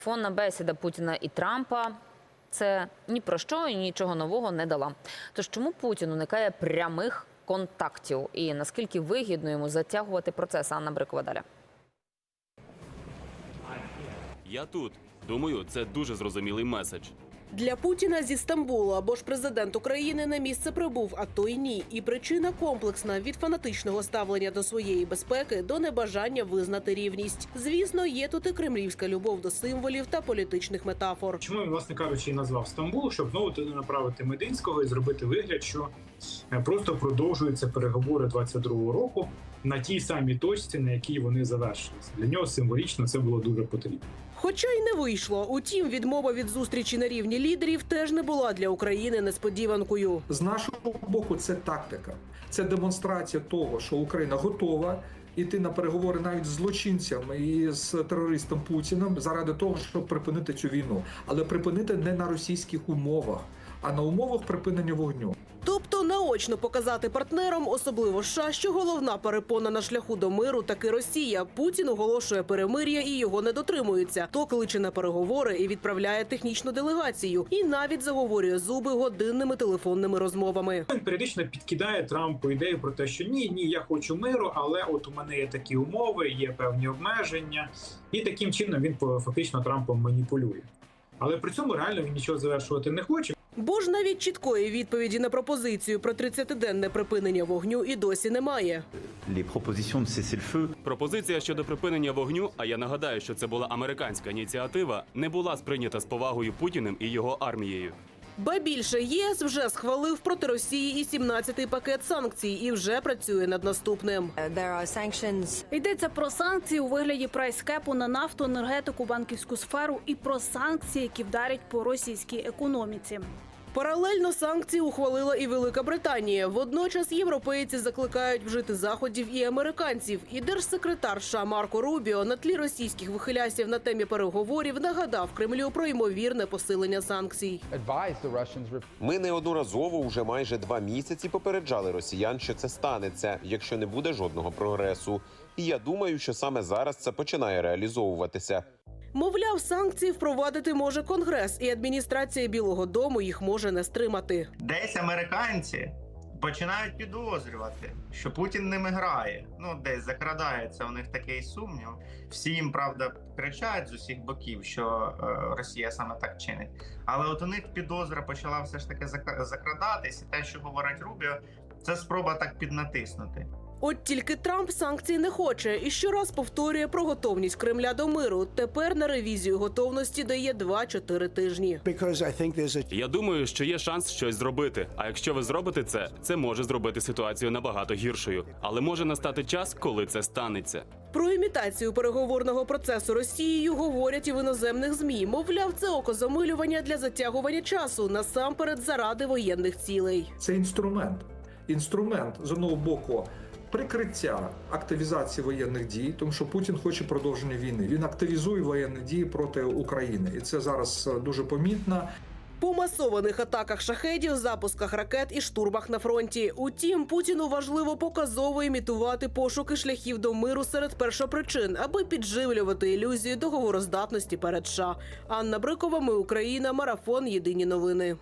Телефонна бесіда Путіна і Трампа – це ні про що і нічого нового не дала. Тож чому Путін уникає прямих контактів? І наскільки вигідно йому затягувати процес? Анна Брикова далі. Я тут. Думаю, це дуже зрозумілий меседж. Для Путіна зі Стамбула або ж президент України на місце прибув, а то й ні. І причина комплексна – від фанатичного ставлення до своєї безпеки до небажання визнати рівність. Звісно, є тут і кремлівська любов до символів та політичних метафор. Чому він, власне кажучи, і назвав Стамбул, щоб знову туди направити Мединського і зробити вигляд, що просто продовжуються переговори 22-го року на тій самій точці, на якій вони завершилися. Для нього символічно це було дуже потрібно. Хоча й не вийшло. Утім, відмова від зустрічі на рівні лідерів теж не була для України несподіванкою. З нашого боку це тактика. Це демонстрація того, що Україна готова йти на переговори навіть з злочинцями і з терористом Путіним заради того, щоб припинити цю війну. Але припинити не на російських умовах, а на умовах припинення вогню. Тобто наочно показати партнерам, особливо США, що головна перепона на шляху до миру таки Росія. Путін оголошує перемир'я і його не дотримуються. То кличе на переговори і відправляє технічну делегацію. І навіть заговорює зуби годинними телефонними розмовами. Він періодично підкидає Трампу ідею про те, що ні, я хочу миру, але от у мене є такі умови, є певні обмеження. І таким чином він фактично Трампом маніпулює. Але при цьому реально він нічого завершувати не хоче. Бо ж навіть чіткої відповіді на пропозицію про 30-денне припинення вогню і досі немає. Пропозиція щодо припинення вогню, а я нагадаю, що це була американська ініціатива, не була сприйнята з повагою Путіним і його армією. Ба більше, ЄС вже схвалив проти Росії і 17-й пакет санкцій і вже працює над наступним. Йдеться про санкції у вигляді прайскепу на нафту, енергетику, банківську сферу і про санкції, які вдарять по російській економіці. Паралельно санкції ухвалила і Велика Британія. Водночас європейці закликають вжити заходів і американців. І держсекретар США Марко Рубіо на тлі російських вихилясів на темі переговорів нагадав Кремлю про ймовірне посилення санкцій. Ми неодноразово уже майже 2 місяці попереджали росіян, що це станеться, якщо не буде жодного прогресу. І я думаю, що саме зараз це починає реалізовуватися. Мовляв, санкції впровадити може Конгрес, і адміністрація Білого дому їх може не стримати. Десь американці починають підозрювати, що Путін ними грає. Десь закрадається у них такий сумнів. Всі їм, правда, кричать з усіх боків, що Росія саме так чинить. Але от у них підозра почала все ж таки закрадатись, і те, що говорить Рубіо, це спроба так піднатиснути. От тільки Трамп санкцій не хоче і щораз повторює про готовність Кремля до миру. Тепер на ревізію готовності дає 2-4 тижні. Я думаю, що є шанс щось зробити. А якщо ви зробите це може зробити ситуацію набагато гіршою. Але може настати час, коли це станеться. Про імітацію переговорного процесу Росією говорять і в іноземних ЗМІ. Мовляв, це окозамилювання для затягування часу, насамперед заради воєнних цілей. Це інструмент. Інструмент, з одного боку, прикриття активізації воєнних дій, тому що Путін хоче продовження війни. Він активізує воєнні дії проти України. І це зараз дуже помітно. По масованих атаках шахедів, запусках ракет і штурмах на фронті. Утім, Путіну важливо показово імітувати пошуки шляхів до миру серед першопричин, аби підживлювати ілюзію договороздатності перед США. Анна Брикова, Ми Україна, Марафон, Єдині новини.